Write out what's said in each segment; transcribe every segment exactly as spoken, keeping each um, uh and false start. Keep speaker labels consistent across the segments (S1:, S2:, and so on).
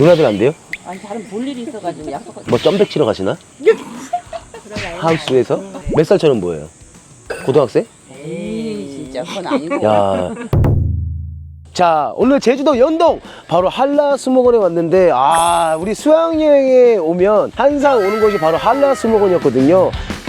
S1: 누나들 안 돼요?
S2: 아니 다른 볼 일이 있어가지고 약속.
S1: 뭐 점백 치러 가시나? 하우스에서? 몇 살처럼 보여요? 고등학생?
S2: 에이 진짜 그건 아니고.
S1: 야. 자, 오늘 제주도 연동 바로 한라수목원에 왔는데, 아, 우리 수학여행에 오면 항상 오는 곳이 바로 한라수목원이었거든요.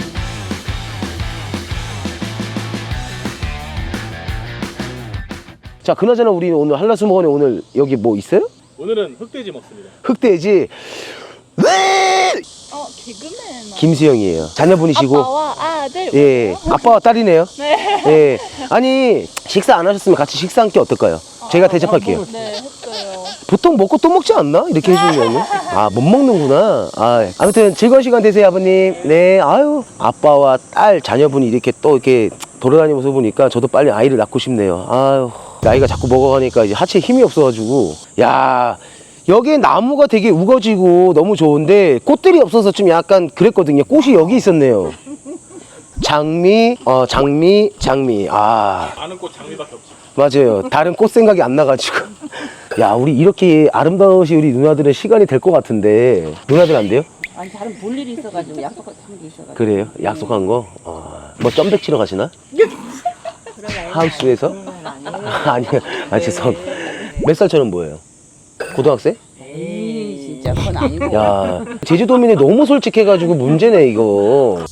S1: 자, 그나저나 우리 오늘 한라수목원에 오늘 여기 뭐 있어요?
S3: 오늘은 흑돼지 먹습니다.
S1: 흑돼지. 네!
S4: 어, 개그맨.
S1: 김수영이에요. 자녀분이시고.
S4: 아빠와 아들.
S1: 예, 아빠와 딸이네요.
S4: 네.
S1: 예. 아니, 식사 안 하셨으면 같이 식사 함께 어떨까요? 제가 대접할게요.
S4: 네, 했어요.
S1: 보통 먹고 또 먹지 않나? 이렇게 해주면. 아, 못 먹는구나. 아, 아무튼 즐거운 시간 되세요, 아버님. 네, 아유. 아빠와 딸, 자녀분이 이렇게 또 이렇게 돌아다니는 모습 보니까 저도 빨리 아이를 낳고 싶네요. 아유. 나이가 자꾸 먹어가니까 이제 하체에 힘이 없어가지고. 야, 여기에 나무가 되게 우거지고 너무 좋은데 꽃들이 없어서 좀 약간 그랬거든요. 꽃이 여기 있었네요. 장미, 어, 장미, 장미. 아.
S3: 아는 꽃 장미밖에 없지.
S1: 맞아요. 다른 꽃 생각이 안 나가지고. 야, 우리 이렇게 아름다우신 우리 누나들의 시간이 될 것 같은데. 누나들 안 돼요?
S2: 아니 다른 볼 일이 있어가지고 약속한 게 있어가지고.
S1: 그래요? 약속한 거? 어. 뭐 점백 치러 가시나? 하우스에서? 아니요. 아, 죄송. 몇 살처럼 보여요? 고등학생?
S2: 에이 진짜 그건 아니고.
S1: 야, 제주도민이 너무 솔직해가지고 문제네, 이거.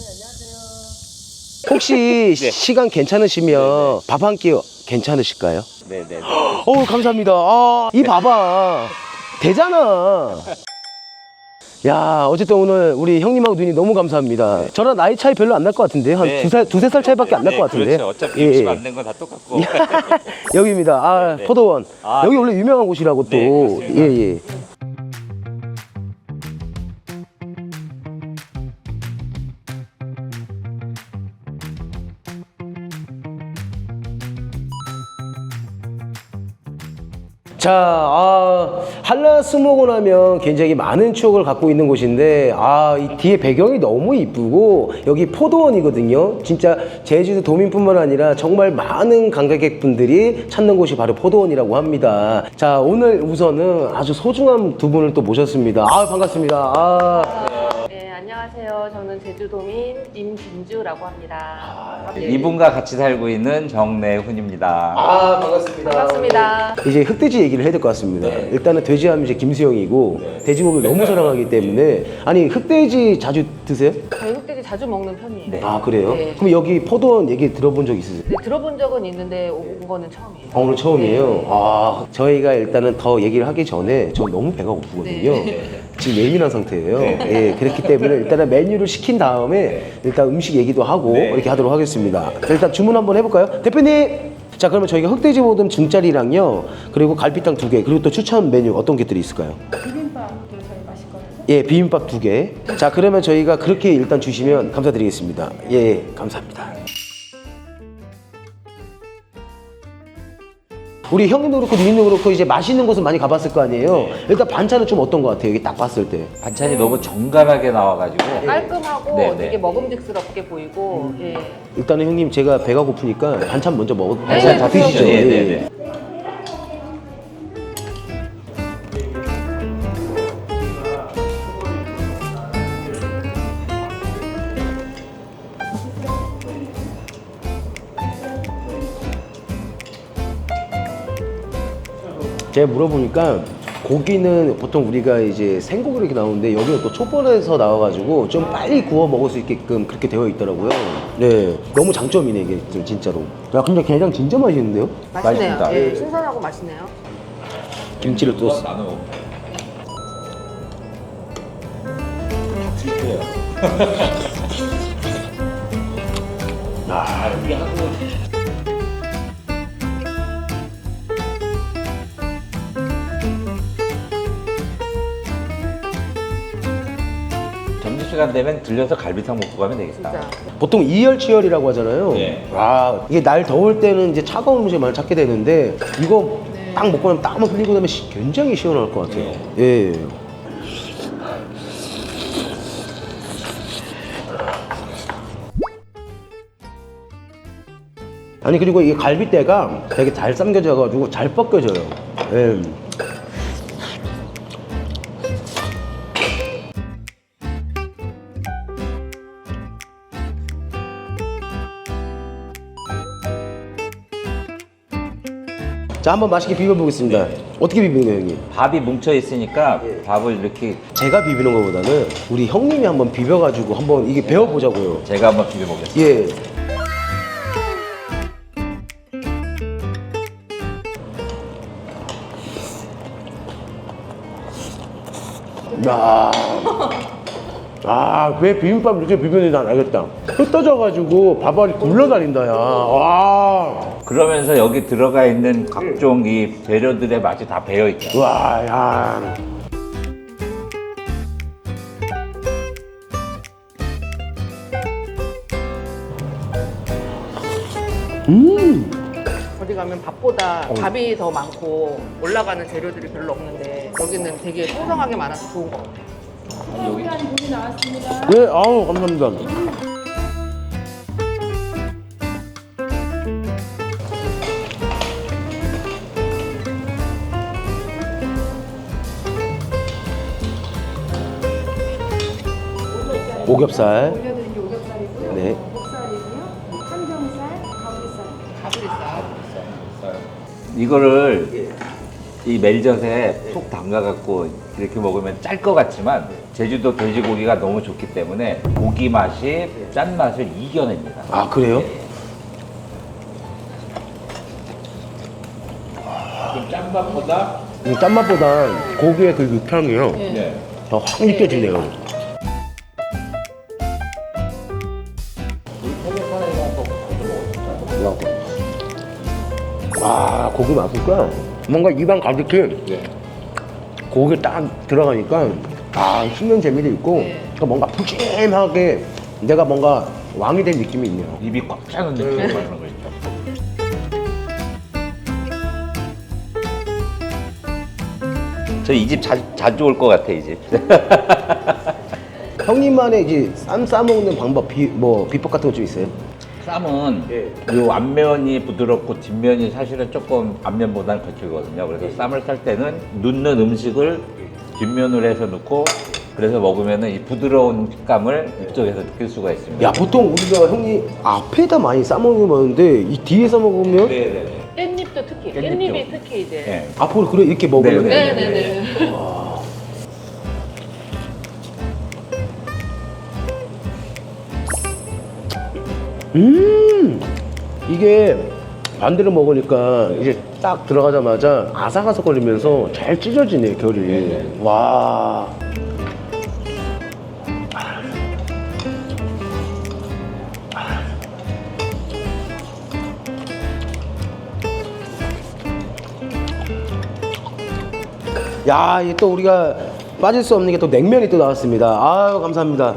S1: 혹시 시간 괜찮으시면 밥 한 끼 괜찮으실까요?
S3: 네네.
S1: 어우, 감사합니다. 아, 이 봐봐. 되잖아. 야, 어쨌든 오늘 우리 형님하고 누님 너무 감사합니다. 저랑 나이 차이 별로 안 날 것 같은데요? 한
S5: 네.
S1: 두 살, 두세 살 차이밖에 안 날 것 같은데.
S5: 그렇죠. 어차피
S1: 예,
S5: 음식
S1: 예.
S5: 만든 건 다 똑같고.
S1: 여기입니다. 아,
S5: 네.
S1: 포도원.
S5: 아,
S1: 여기 원래 유명한 곳이라고 또.
S5: 네, 그렇습니다.
S1: 예, 예. 자, 아, 한라수목원 하면 굉장히 많은 추억을 갖고 있는 곳인데, 아, 이 뒤에 배경이 너무 이쁘고, 여기 포도원이거든요. 진짜 제주도 도민뿐만 아니라 정말 많은 관광객분들이 찾는 곳이 바로 포도원이라고 합니다. 자, 오늘 우선은 아주 소중한 두 분을 또 모셨습니다. 아, 반갑습니다. 아.
S6: 네, 안녕하세요. 저는 제주도민 임진주라고 합니다. 네.
S5: 이분과 같이 살고 있는 정내훈입니다.
S1: 아, 반갑습니다.
S6: 반갑습니다.
S1: 이제 흑돼지 얘기를 해야 될 것 같습니다. 일단은 돼지하면 이제 김수영이고, 돼지고기를 너무 사랑하기 때문에. 아니, 흑돼지 자주 드세요?
S6: 저희 흑돼지 자주 먹는 편이에요.
S1: 아, 그래요?
S6: 네.
S1: 그럼 여기 포도원 얘기 들어본 적 있으세요?
S6: 네, 들어본 적은 있는데 온 거는 처음이에요.
S1: 아, 오늘 처음이에요? 아, 저희가 일단은 더 얘기를 하기 전에 저 너무 배가 고프거든요. 지금 예민한 상태예요. 예, 그렇기 때문에 일단은 메뉴를 시킨 다음에 일단 음식 얘기도 하고 이렇게 하도록 하겠습니다. 자, 일단 주문 한번 해볼까요? 대표님! 자, 그러면 저희가 흑돼지 모듬 중짜리랑요, 그리고 갈비탕 두 개, 그리고 또 추천 메뉴 어떤 것들이 있을까요?
S4: 비빔밥도 저희 맛있거든요.
S1: 예, 비빔밥 두 개. 자, 그러면 저희가 그렇게 일단 주시면 감사드리겠습니다. 예, 감사합니다. 우리 형님도 그렇고 누님도 그렇고 이제 맛있는 곳은 많이 가봤을 거 아니에요? 일단 반찬은 좀 어떤 것 같아요? 여기 딱 봤을 때.
S5: 반찬이 너무 정갈하게 나와가지고.
S6: 깔끔하고
S5: 네, 네.
S6: 되게 먹음직스럽게 보이고 예.
S1: 일단은 형님 제가 배가 고프니까 반찬 먼저 먹어.
S6: 네,
S1: 반찬 다
S6: 그럼요.
S1: 드시죠.
S5: 네,
S1: 예,
S5: 네,
S1: 예.
S5: 네.
S1: 제가 물어보니까 고기는 보통 우리가 이제 생고기로 이렇게 나오는데 여기는 또 촛불에서 나와가지고 좀 빨리 구워 먹을 수 있게끔 그렇게 되어 있더라고요. 네, 너무 장점이네 이게 진짜로. 야, 근데 게장 진짜 맛있는데요?
S6: 맛있네요.
S5: 맛있습니다.
S6: 예, 신선하고 맛있네요.
S1: 김치를 또 쓰-
S5: 나눠. 점심시간 되면 들려서 갈비탕 먹고 가면 되겠다.
S6: 진짜.
S1: 보통 이열치열이라고 하잖아요.
S5: 네.
S1: 와, 이게 날 더울 때는 이제 차가운 음식 많이 찾게 되는데 이거 딱 먹고 나면 땀을 흘리고 나면 시- 굉장히 시원할 것 같아요. 예. 아니, 그리고 이 갈비대가 되게 잘 삶겨져가지고 잘 벗겨져요. 예. 자, 한번 맛있게 비벼보겠습니다. 어떻게 비비는 거예요, 형님?
S5: 밥이 뭉쳐 있으니까 밥을 이렇게
S1: 제가 비비는 것보다는 우리 형님이 한번 비벼가지고 한번 이게 배워보자고요.
S5: 제가 한번 비벼보겠습니다.
S1: 예. 야. 아, 왜 비빔밥 이렇게 비비는지 난 알겠다. 흩어져가지고 밥알이 굴러다닌다, 야. 와.
S5: 그러면서 여기 들어가 있는 각종 이 재료들의 맛이 다 배어 있죠.
S1: 와, 야. 음.
S6: 어디 가면 밥보다 밥이 더 많고 올라가는 재료들이 별로 없는데 여기는 되게 풍성하게 많아서 좋은 것 같아요.
S1: 네, 아우, 감사합니다. 오겹살.
S7: 올려드린 게 오겹살이고요.
S1: 네.
S7: 목살이고요. 삼겹살, 가브리살.
S5: 이거를 이 멜젓에 푹 담가갖고 이렇게 먹으면 짤 것 같지만 제주도 돼지고기가 너무 좋기 때문에 고기 맛이 짠 맛을 이겨냅니다.
S1: 아, 그래요?
S5: 좀 짠맛보다
S1: 이 짠맛보다 고기의 그 육향이요.
S5: 네.
S1: 더 확 느껴지네요. 와, 고기 맛있까? 뭔가 입안 가득히
S5: 네.
S1: 고기 딱 들어가니까 아, 씹는 재미도 있고 그러니까 뭔가 푸짐하게 내가 뭔가 왕이 된 느낌이 있네요.
S5: 입이 꽉 차는 느낌이 나는 거 있죠. 저 이 집 자주, 자주 올 것 같아, 이 집.
S1: 형님만의 이제 쌈 싸먹는 방법, 비, 뭐 비법 같은 거 좀 있어요?
S5: 쌈은
S1: 예.
S5: 요 앞면이 부드럽고 뒷면이 사실은 조금 앞면보다는 거칠거든요. 그래서 쌈을 쌀 때는 넣는 음식을 뒷면으로 해서 넣고 그래서 먹으면 이 부드러운 식감을 이쪽에서 느낄 수가 있습니다.
S1: 야, 보통 우리가 형님 앞에다 많이 싸먹는 거 많은데 이 뒤에서 먹으면
S5: 네네네.
S6: 깻잎도 특히
S5: 깻잎도.
S6: 깻잎이 특히 이제
S5: 네.
S1: 앞으로 그래 이렇게 먹으면
S5: 네, 네,
S6: 네네네.
S1: 음, 이게 반대로 먹으니까 이제 딱 들어가자마자 아삭아삭거리면서 잘 찢어지네, 결이. 와. 야, 이게 또 우리가 빠질 수 없는 게 또 냉면이 또 나왔습니다. 아유, 감사합니다.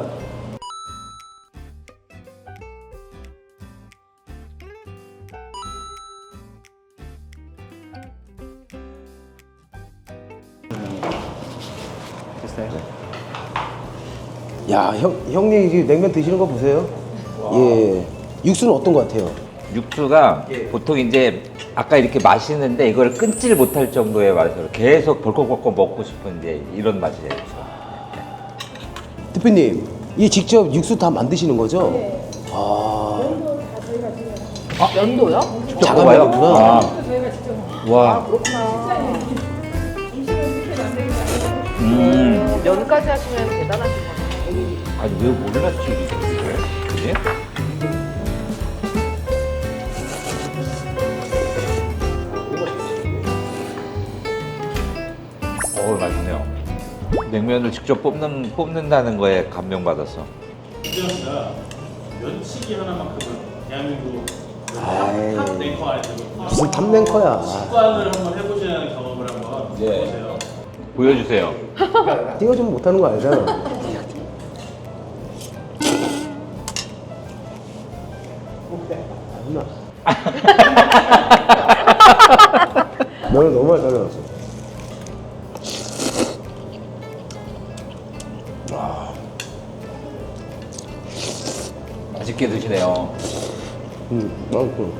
S1: 야, 형, 형님 이제 냉면 드시는 거 보세요. 예. 육수는 어떤 거 같아요?
S5: 육수가 보통 이제 아까 이렇게 마시는데 이걸 끊질 못할 정도의 맛으로 계속 벌컥벌컥 먹고 싶은 이제 이런 맛이에요.
S1: 대표님, 이 직접 육수 다 만드시는 거죠? 네. 아,
S6: 연도요?
S1: 자가
S5: 먹어봐요?
S1: 만드구나.
S5: 아. 와. 음.
S6: 면까지 하시면 대단하신 거예요.
S5: 아니 왜 몰랐지 이게? 그지? 어 맛있네요. 냉면을 직접 뽑는 뽑는다는 거에 감명받았어.
S3: 이재현 씨가 면치기 하나만큼은 대한민국
S1: 아이.
S3: 탑 랭커 안에 들거든요.
S1: 무슨 탑랭커야.
S3: 식관을 한번 해보시는 경험을 한번
S5: 네.
S3: 해보세요.
S5: 보여주세요.
S1: 띄워주면 못하는 거 알잖아. 아니나. 너는 너무 잘 잘라놨어.
S5: 맛있게 드시네요.
S1: 음, 맛있어.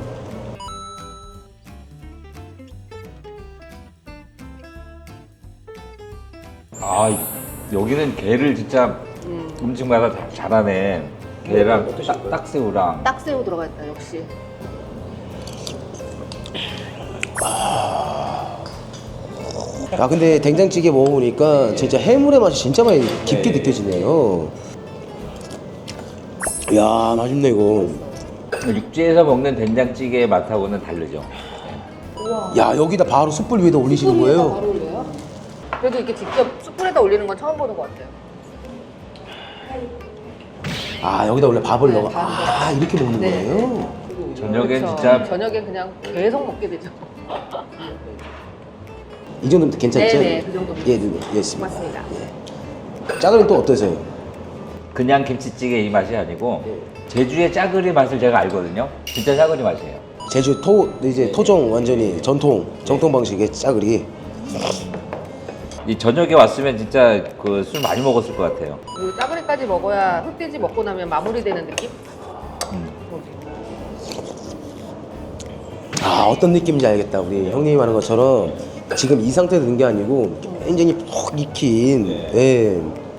S5: 아 여기는 게를 진짜 음식마다 다 잘하네. 게랑 딱, 딱새우랑.
S6: 딱새우 들어가 있다 역시.
S1: 아, 아 근데 된장찌개 먹어보니까 진짜 해물의 맛이 진짜 많이 깊게 느껴지네요. 이야 맛있네 이거.
S5: 육지에서 먹는 된장찌개의 맛하고는 다르죠.
S1: 야 여기다 바로 숯불 위에다 올리시는 거예요?
S6: 바로 올려요? 그래도 이렇게 직접 숯불에다 올리는 건 처음 보는 것 같아요.
S1: 아 여기다 원래 밥을
S6: 네,
S1: 넣어.
S6: 밥을
S1: 아 이렇게 먹는
S6: 네.
S1: 거예요?
S5: 저녁엔
S6: 그렇죠.
S5: 진짜
S6: 저녁엔 그냥 계속 먹게 되죠.
S1: 이 정도면 괜찮죠?
S6: 네네, 그 정도면.
S1: 예, 네, 예, 있습니다.
S6: 맞습니다.
S1: 짜글은 또 어떠세요?
S5: 그냥 김치찌개 이 맛이 아니고 제주의 짜글이 맛을 제가 알거든요. 진짜 짜글이 맛이에요.
S1: 제주 토 이제 토종 완전히 전통 정통 방식의 짜글이.
S5: 이 저녁에 왔으면 진짜 그 술 많이 먹었을 것 같아요.
S6: 그 짜구리까지 먹어야 흑돼지 먹고 나면 마무리되는 느낌?
S5: 음.
S1: 아 어떤 느낌인지 알겠다. 우리 형님이 하는 것처럼 지금 이 상태에 넣는 게 아니고 굉장히 푹 익힌. 예.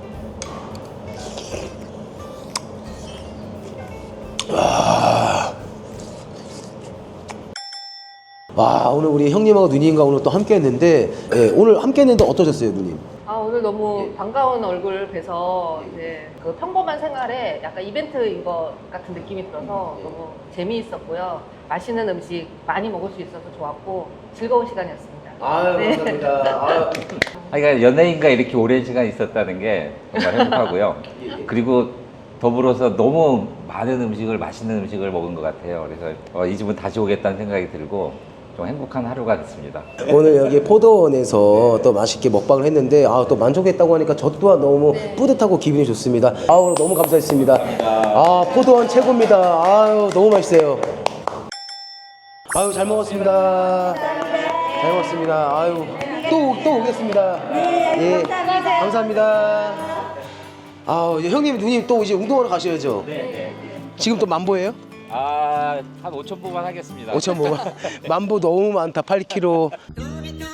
S1: 와 오늘 우리 형님하고 누님과 오늘 또 함께 했는데 예, 오늘 함께 했는데 어떠셨어요 누님?
S6: 아 오늘 너무 반가운 얼굴 뵈서 이제 그 평범한 생활에 약간 이벤트인 것 같은 느낌이 들어서 너무 재미있었고요. 맛있는 음식 많이 먹을 수 있어서 좋았고 즐거운 시간이었습니다.
S1: 아유
S6: 네.
S1: 감사합니다. 아유.
S5: 그러니까 연예인과 이렇게 오랜 시간 있었다는 게 정말 행복하고요. 그리고 더불어서 너무 많은 음식을 맛있는 음식을 먹은 것 같아요. 그래서 어, 이 집은 다시 오겠다는 생각이 들고 좀 행복한 하루가 됐습니다.
S1: 오늘 여기 포도원에서 또 맛있게 먹방을 했는데 아, 또 만족했다고 하니까 저 또한 너무 뿌듯하고 기분이 좋습니다. 아, 오늘 너무 감사했습니다. 아, 포도원 최고입니다. 아유, 너무 맛있어요. 아유, 잘 먹었습니다. 잘 먹었습니다. 아유, 또, 또 오겠습니다. 예, 감사합니다. 아, 형님, 누님 또 이제 운동하러 가셔야죠. 네. 지금 또 만보예요?
S5: 아, 한 오천 보만 하겠습니다.
S1: 오천 보 만보 너무 많다. 팔 킬로미터.